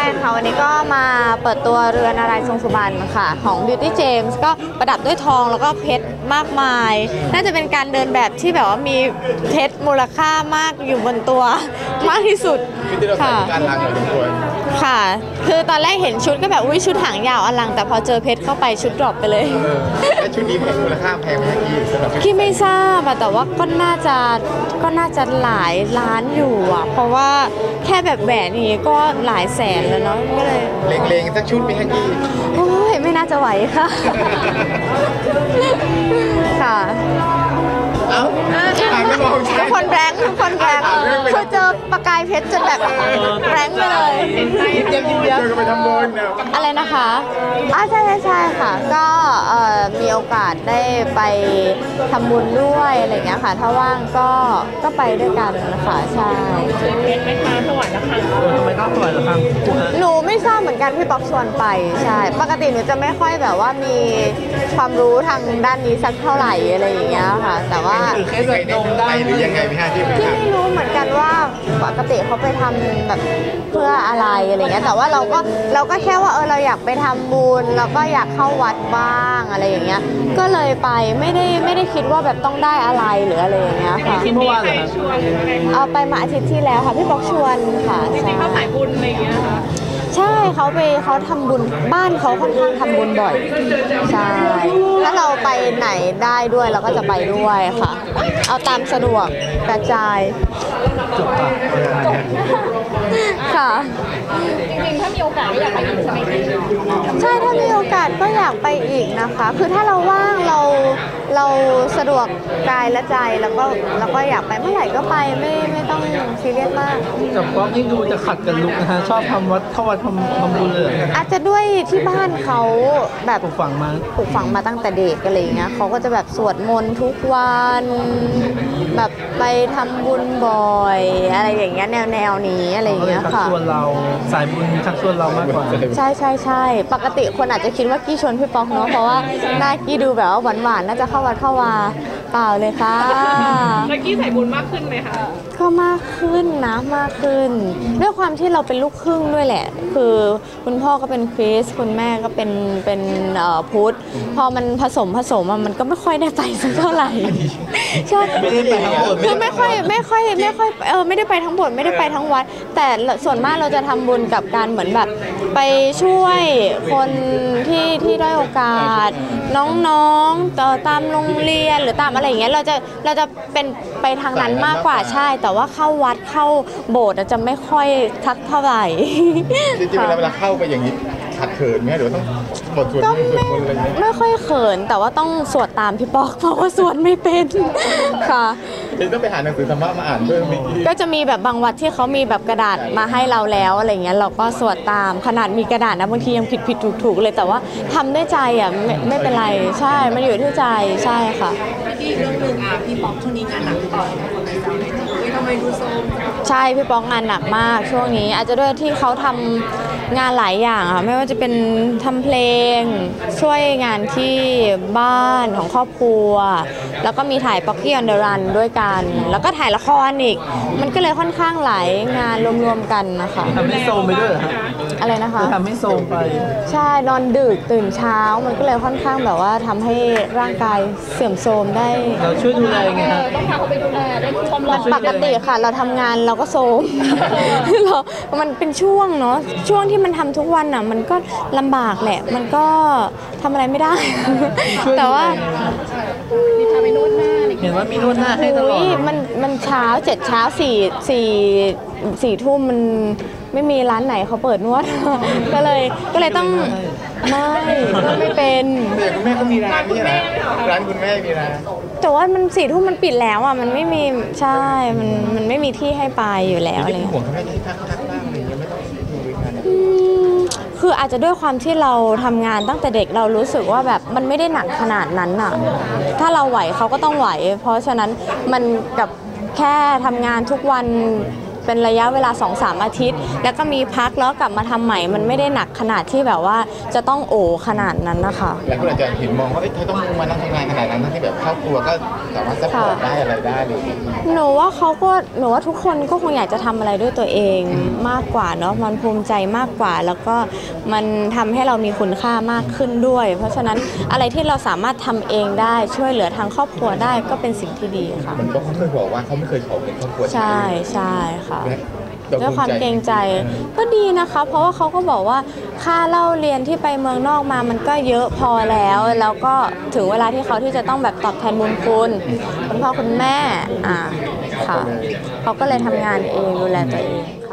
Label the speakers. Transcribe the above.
Speaker 1: ค่ะวันนี้ก็มาเปิดตัวเรือนนารายณ์ทรงสุบรรณค่ะของ Beauty James ก็ประดับด้วยทองแล้วก็เพชรมากมายน่าจะเป็นการเดินแบบที่แบบว่ามีเพชรมูลค่ามากอยู่บนตัวมากที่สุดค่ะ
Speaker 2: การล้างเหมือนตัว
Speaker 1: ค่ะคือตอนแรกเห็นชุดก็แบบอุ้ยชุดหางยาวอลังแต่พอเจอเพชรเข้าไปชุดดรอปไปเลย
Speaker 2: แล้วชุดนี้มูลค่าแพงไหมพี่สำหรับ
Speaker 1: พี่ไม่ทราบแต่ว่าก็น่าจะหลายล้านอยู่อ่ะเพราะว่าแค่แบบแหวนนี้ก็หลายแสนแล้วเนาะก็เลย
Speaker 2: เล็งๆสักชุดไหมฮะพี่
Speaker 1: โอ้ยไม่น่าจะไหวค่ะค่ะทุกคนแรงคือเจอประกายเพชรจนแบบแรงไปเลย
Speaker 2: เดี๋ยวก็ไปทำบุญ
Speaker 1: อะไรนะคะใช่ค่ะก็มีโอกาสได้ไปทำบุญด้วยอะไรอย่างเงี้ยค่ะถ้าว่างก็ไปด้วยกันนะคะใช่
Speaker 3: ไม่ค้าถวายละครั้งทำไมต้องถวายละครั้ง
Speaker 1: หนูไม่ทราบเหมือนกันพี่ป๊อกชวนไปใช่ปกติหนูจะไม่ค่อยแบบว่ามีความรู้ทางด้านนี้สักเท่าไหร่อะไรอย่างเงี้ยค่ะแต่ว่า
Speaker 2: เคยได้ไปหรือยังไงพี่ฮะที่
Speaker 1: ไม่รู้เหมือนกันว่าปกติเขาไปทำแบบเพื่ออะไรอะไรเงี้ยแต่ว่าเราก็แค่ว่าเราอยากไปทำบุญแล้วก็อยากเข้าวัดบ้างอะไรอย่างเงี้ยก็เลยไปไม่ได้คิดว่าแบบต้องได้อะไรหรืออะไรอย่างเงี้ยค่ะ
Speaker 3: เมื่อวานเหรอ
Speaker 1: เอาไปมาอาทิตย์ที่แล้วค่ะพี่ป๊อกชวนค่ะ
Speaker 3: จริงๆเขาสายบุญอะไรอย่างเงี้ยค่ะ
Speaker 1: ใช่เขาทำบุญบ้านเขาค่อนข้างทำบุญบ่อยใช่ถ้าเราไปไหนได้ด้วยเราก็จะไปด้วยค่ะเอาตามสะดวกกระจายค่ะ
Speaker 3: จริงๆถ้ามีโอกาสก็อยากไปอีกใช่ไหมพี่
Speaker 1: ใช่ถ้ามีโอกาสก็อยากไปอีกนะคะคือถ้าเราว่างเราสะดวกกายและใจแล้วก็อยากไปเมื่อไหร่ก็ไปไม่ต้องซีเรียสมาก
Speaker 3: กับป๊อกนี่ดูจะขัดกันลุกนะฮะชอบทำวัดเข้าวัดทำบุญเลย
Speaker 1: อาจจะด้วยที่บ้านเขาแบบ
Speaker 3: ปลูกฝัง
Speaker 1: มาตั้งแต่เด็กอะไรอย่างเงี้ยเขาก็จะแบบสวดมนต์ทุกวันแบบไปทำบุญบ่อยอะไรอย่างเงี้ยแนวนี้อะไรอย่างเงี้ยค่ะ
Speaker 3: ชักชวนเราสายบุญชักชวนเรามากกว่า
Speaker 1: ใช่ปกติคนอาจจะคิดว่ากี้ชวนพี่ป๊อกเนาะเพราะว่าหน้ากี้ดูแบบว่าหวานน่าจะเข้าวัดเข้าวาเปล่าเลยค่ะ
Speaker 3: แล้วกี้สายบุญมากขึ้นไหมคะ
Speaker 1: ก็มากขึ้นนะมากขึ้นด้วยความที่เราเป็นลูกครึ่งด้วยแหละคือคุณพ่อก็เป็นคริสต์คุณแม่ก็เป็นพุทธพอมันผสมมันก็ไม่ค่อยได้ไปสักเท่าไหร่ใช่
Speaker 3: ไม่ได้ไปทั้งหมด
Speaker 1: คือไม่ค่อยไม่ได้ไปทั้งหมดไม่ได้ไปทั้งวัดแต่ส่วนมากเราจะทำบุญกับการเหมือนแบบไปช่วยคนที่ด้อยโอกาสน้องๆตามโรงเรียนหรือตามอะไรอย่างเงี้ยเราจะเป็นไปทางนั้นมากกว่าใช่แต่ว่าเข้าวัดเข้าโบสถ์จะไม่ค่อยทักเท่าไหร่
Speaker 2: จริงๆเวลาเข้าไปอย่างนี้ขัดเขินไหมหรือต้องบทสวดมนต์อะไรเงี้ย
Speaker 1: ไม่ค่อยเขินแต่ว่าต้องสวดตามพี่ป๊อกเพราะว่าสวดไม่เป็นค่ะ
Speaker 2: ต้องไปหาหนังสือธรรมะมาอ่านเพิ่ม
Speaker 1: ก็จะมีแบบบางวัดที่เขามีแบบกระดาษมาให้เราแล้วอะไรเงี้ยเราก็สวดตามขนาดมีกระดาษนะบางทียังผิดถูกเลยแต่ว่าทำด้วยใจไม่เป็นไรใช่มันอยู่ที่ใจใช่ค่ะ
Speaker 3: พี่เรื่องหนึ่งพี่ป๊อกช่วงนี้งานหนักต่อทำไมดูโซม
Speaker 1: ใช่พี่ป๊อกงานหนักมากช่วงนี้อาจจะด้วยที่เขาทำงานหลายอย่างค่ะไม่ว่าจะเป็นทำเพลงช่วยงานที่บ้านของครอบครัวแล้วก็มีถ่ายป๊อกกี้ออนเดอะรันด้วยกันแล้วก็ถ่ายละครอีกมันก็เลยค่อนข้างหลายงานรวมๆกันนะคะ
Speaker 3: ทำให้โซมไปด้วยเหรอ
Speaker 1: อะไรนะคะ
Speaker 3: ทำให้โซมไป
Speaker 1: ใช่นอนดึกตื่นเช้ามันก็เลยค่อนข้างแบบว่าทำให้ร่างกายเสื่อมโทรมได้
Speaker 3: เราช่วยดูแลไงครับ
Speaker 1: ต้องพาเขาไปดูแลได้มันปกติค่ะเราทำงานเราก็โทรมมันเป็นช่วงเนาะช่วงที่มันทำทุกวันอ่ะมันก็ลำบากแหละมันก็ทำอะไรไม่ได้แต่ว่า
Speaker 3: มีพาไปนวดหน้าเห็นว่ามีนวดหน้าให้ตลอด
Speaker 1: มันเช้า7 เช้า4 ทุ่มมันไม่มีร้านไหนเขาเปิดนวดก็เลยต้องไม่เป็น
Speaker 2: คุณแม่เขามีร้านนี่นะร้านคุณแม่มีร้าน
Speaker 1: แต่ว่ามัน4 ทุ่มมันปิดแล้วอ่ะมันไม่มีใช่มันไม่มีที่ให้ไปอยู่แล้วอะไร
Speaker 2: ห่วงเขาไม่ได้ทักบ้างอะไรอย่างเงี้ยไม่ต้องดูงาน
Speaker 1: คืออาจจะด้วยความที่เราทำงานตั้งแต่เด็กเรารู้สึกว่าแบบมันไม่ได้หนักขนาดนั้นอ่ะถ้าเราไหวเขาก็ต้องไหวเพราะฉะนั้นมันกับแค่ทำงานทุกวันเป็นระยะเวลา 2-3 อาทิตย์ แล้วก็มีพักแล้วกลับมาทำใหม่มันไม่ได้หนักขนาดที่แบบว่าจะต้องโอขนาดนั้นนะคะ
Speaker 2: แล้วคุณอาจารย์เห็นมองว่าเธอต้องมานั่งทำงานขนาดนั้นทั้งที่แบบครอบครัวก็สามารถซัพพอร์ตได้อะไรได้เลย
Speaker 1: หนูว่าทุกคนก็คงอยากจะทำอะไรด้วยตัวเองมากกว่าเนาะมันภูมิใจมากกว่า แล้วก็มันทำให้เรามีคุณค่ามากขึ้นด้วย เพราะฉะนั้นอะไรที่เราสามารถทำเองได้ช่วยเหลือทางครอบครัวได้ก็เป็นสิ่งที่ดีค่ะ
Speaker 2: มันก็เขาเคยบอกว่าเขาไม่เคยขอเงินครอบครัว
Speaker 1: ใช่ใช่ค่ะ
Speaker 2: และ
Speaker 1: ด้วยความเกรงใจก็ดีนะคะ เพราะว่าเขาก็บอกว่าค่าเล่าเรียนที่ไปเมืองนอกมามันก็เยอะพอแล้วก็ถึงเวลาที่เขาที่จะต้องแบบตอบแทนบุญคุณพ่อคุณแม่ค่ะเขาก็เลยทำงานเองดูแลตัวเอง